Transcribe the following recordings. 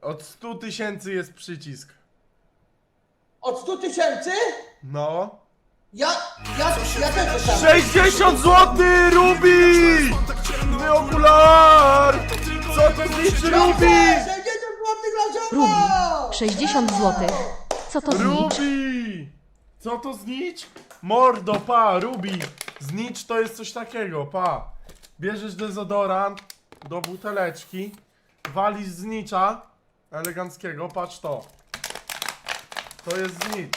Od 100 000 jest przycisk. Od 100 000? No. Ja też dostałem. 60 zł, Rubi! My okular! Co to znaczy, Rubi? 60 zł dla Rubi, zioma! 60 zł. Co to znicz? Rubi! Co to znicz? Mordo, pa, Rubi. Znicz to jest coś takiego, pa. Bierzesz dezodorant do buteleczki, walisz znicza eleganckiego, patrz to. To jest znicz.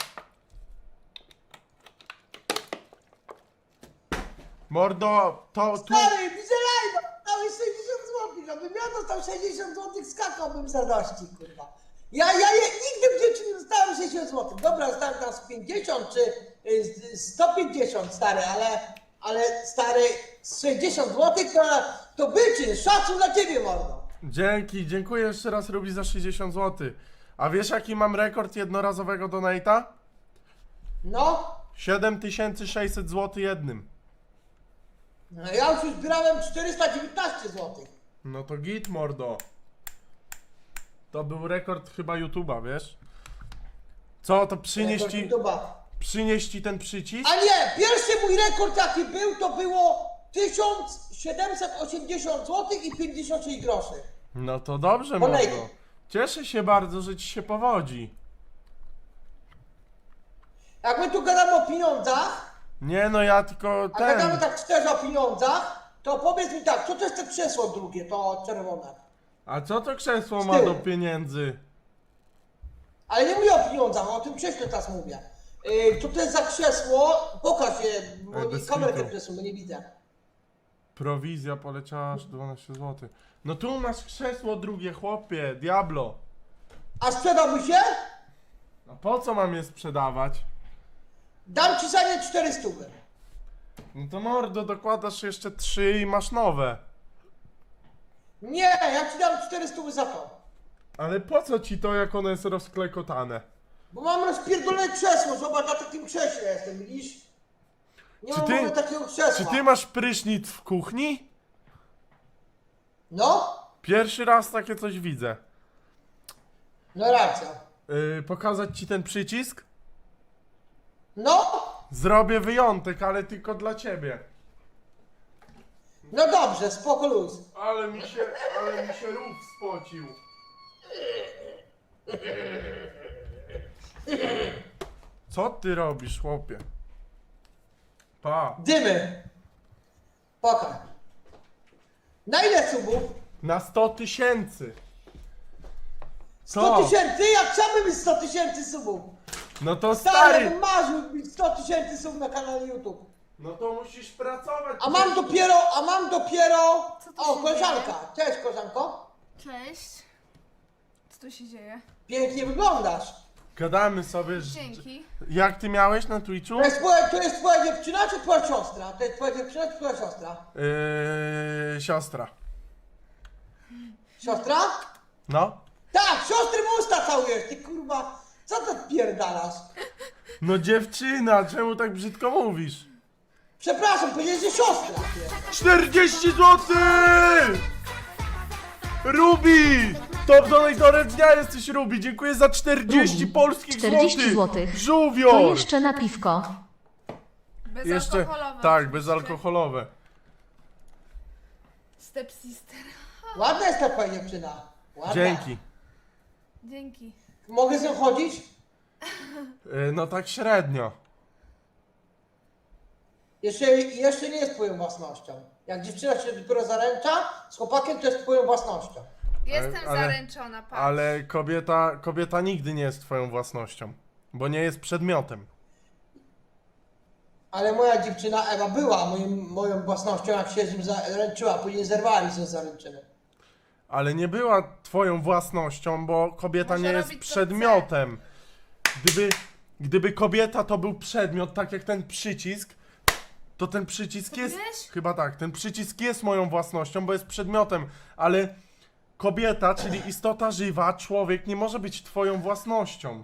Mordo, to tu... Stary, widzę live'a! Dałeś 60 zł, żebym ja dostał 60 zł, skakałbym z radości, kurwa. Nigdy w życiu nie dostałem 60 zł. Dobra, dostałem tam z 50 czy 150, stary, ale stary, z 60 zł to wyczyn, szacun dla ciebie, mordo. Dzięki, dziękuję jeszcze raz, Rubi, za 60 zł. A wiesz, jaki mam rekord jednorazowego donate'a? No, 7600 zł jednym. no ja już zbierałem 419 zł. No to git, mordo. To był rekord chyba YouTube'a, wiesz? Co, to przynieść ci ten przycisk? A nie, pierwszy mój rekord jaki był, to było 1780 zł i 56 groszy. No to dobrze, Olej. mordo. Cieszę się bardzo, że ci się powodzi. Jak my tu gadamy o pieniądzach, Nie no, ja tylko a gadamy ten... tak szczerze o pieniądzach, to powiedz mi tak, co to jest to krzesło drugie, to czerwone? A co to krzesło Z ma tyłu. do pieniędzy? Ale nie mówię o pieniądzach, o tym krześle teraz mówię. Co to jest za krzesło? Pokaż je, bo bez kamerkę kitu. przesunę, nie widzę. Prowizja poleciała aż 12 zł. No tu masz krzesło drugie, chłopie, Diablo. A sprzedałby się? A po co mam je sprzedawać? Dam ci za nie 400. No to mordo, dokładasz jeszcze 3 i masz nowe. Nie, ja ci dam 400 za to. Ale po co ci to, jak ono jest rozklekotane? Bo mam rozpierdolone krzesło, zobacz, na takim krześle jestem, widzisz? Nie Czy mam ty- w ogóle takiego krzesła. Czy ty masz prysznic w kuchni? No, Pierwszy raz takie coś widzę. no racja. Pokazać ci ten przycisk? No, Zrobię wyjątek, ale tylko dla ciebie. no dobrze, spoko luz. Ale mi się rów spocił. Co ty robisz, chłopie? Pa. Dymy. Pokaż. Na ile subów? Na 100 000. 100 tysięcy? Jak chciałbym mieć 100 tysięcy subów? No to Stary, stary. bym marzył mieć 100 tysięcy subów na kanale YouTube. No to musisz pracować. A mam dopiero... Co tu O, się koleżanka. Cześć, koleżanko. Cześć. Co tu się dzieje? Pięknie wyglądasz. Gadamy sobie. Dzięki. Jak ty miałeś na Twitchu? To jest twoja dziewczyna czy twoja siostra? To jest twoja dziewczyna czy twoja siostra? Siostra. Siostra? No. Tak, siostry mu usta całujesz, ty kurwa. Co to pierdalasz? No dziewczyna, czemu tak brzydko mówisz? Przepraszam, powiedziałeś, że siostra. 40 zł! Rubi! Top donator dnia jesteś, Rubi. Dziękuję za 40 Rubi, polskich 40 złotych. zł. Żółwior! To jeszcze na piwko. Bezalkoholowe. Tak, oczywiście. bezalkoholowe. Stepsister. Ładna jest ta twoja dziewczyna. Ładna. Dzięki. Dzięki. Mogę z nią chodzić? No tak średnio. Jeszcze nie jest twoją własnością. Jak dziewczyna się dopiero zaręcza, z chłopakiem to jest twoją własnością. Jestem ale- zaręczona, patrz. Ale kobieta nigdy nie jest twoją własnością. Bo nie jest przedmiotem. Ale moja dziewczyna Ewa była moją własnością, jak się z nim zaręczyła, później zerwali się z zaręczyny. Ale nie była twoją własnością, bo kobieta Może nie jest robić, co przedmiotem. Gdyby kobieta to był przedmiot, tak jak ten przycisk, to ten przycisk jest... wiesz? Chyba tak, ten przycisk jest moją własnością, bo jest przedmiotem, ale kobieta, czyli istota żywa, człowiek nie może być twoją własnością.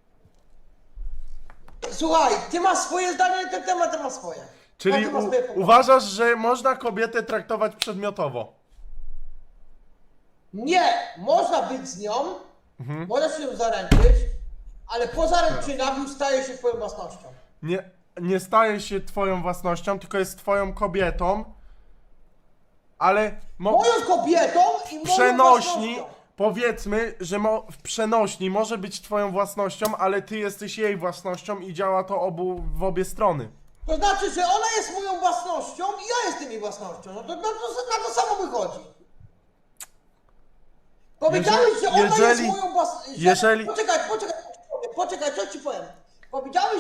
Słuchaj, ty masz swoje zdanie na ten temat, ty masz swoje. Czyli Każdy ma swoje poglądy. uważasz, że można kobietę traktować przedmiotowo? Nie, można być z nią, możesz się zaręczyć, ale po zaręczynach już staje się twoją własnością. Nie staje się twoją własnością, tylko jest twoją kobietą, ale Moją kobietą i moją przenośni, własnością. powiedzmy, że w przenośni może być twoją własnością, ale ty jesteś jej własnością i działa to w obie strony. To znaczy, że ona jest moją własnością i ja jestem jej własnością. No to na to samo wychodzi. Powiedziałeś, że ona jest moją własnością. Poczekaj, co ci powiem. Powiedziałeś,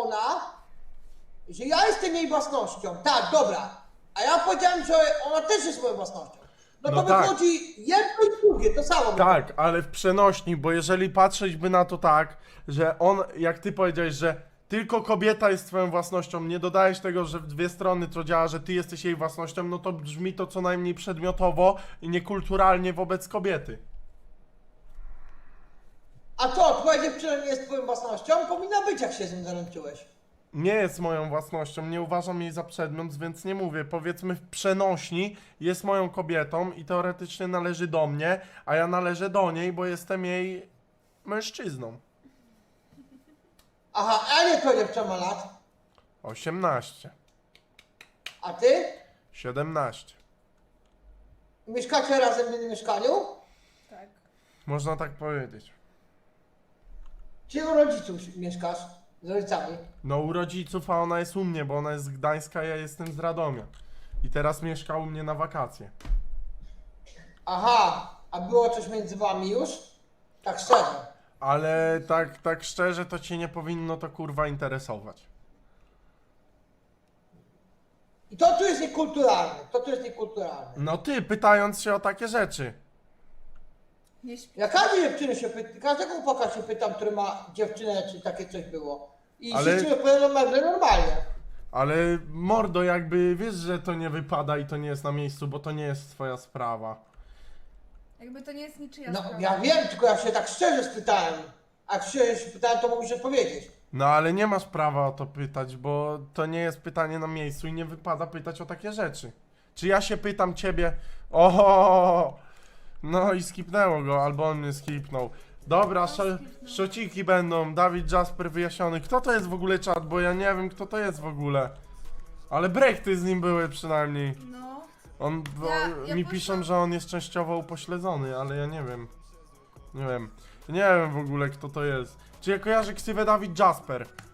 że ja jestem jej własnością. Tak, dobra. A ja powiedziałem, że ona też jest moją własnością. No to tak. wychodzi jedno i drugie, to samo. Tak, ale w przenośni, bo jeżeli patrzeć by na to tak, że jak ty powiedziałeś, że tylko kobieta jest twoją własnością, nie dodajesz tego, że w dwie strony to działa, że ty jesteś jej własnością, no to brzmi to co najmniej przedmiotowo i niekulturalnie wobec kobiety. A co, twoja dziewczyna nie jest twoją własnością? Powinna być, jak się z nim zaręczyłeś. Nie jest moją własnością, nie uważam jej za przedmiot, więc nie mówię. Powiedzmy w przenośni jest moją kobietą i teoretycznie należy do mnie, a ja należę do niej, bo jestem jej mężczyzną. Aha, a nie twoja dziewczyna ma lat? 18, A ty? 17. Mieszkacie razem w jednym mieszkaniu? Tak. Można tak powiedzieć. Czy u rodziców mieszkasz? Z rodzicami? No u rodziców, a ona jest u mnie, bo ona jest z Gdańska, ja jestem z Radomia. I teraz mieszka u mnie na wakacje. Aha, a było coś między wami już? Tak szczerze. Ale tak szczerze, to cię nie powinno to kurwa interesować. I to tu jest niekulturalne, No ty, pytając się o takie rzeczy. Nie śpi. Ja każdej dziewczyny się pytam, każdego chłopaka się pytam, który ma dziewczynę, czy takie coś było. I Ale- wszyscy mi odpowiadają nagle normalnie. Ale mordo, jakby wiesz, że to nie wypada i to nie jest na miejscu, bo to nie jest twoja sprawa. Jakby to nie jest niczyja No sprawa. ja wiem, tylko ja się tak szczerze spytałem. A jak szczerze się pytałem, to mógłbyś odpowiedzieć. No ale nie masz prawa o to pytać, bo to nie jest pytanie na miejscu i nie wypada pytać o takie rzeczy. Czy ja się pytam ciebie, oho, no i skipnęło go, albo on mnie skipnął. Dobra, szociki będą, Dawid Jasper wyjaśniony. Kto to jest w ogóle czat, bo ja nie wiem kto to jest w ogóle. Ale brechty z nim były przynajmniej. No. Mi poszłam- piszą, że on jest częściowo upośledzony, ale ja nie wiem. Nie wiem w ogóle kto to jest. Czy ja kojarzę ksywę Dawid Jasper?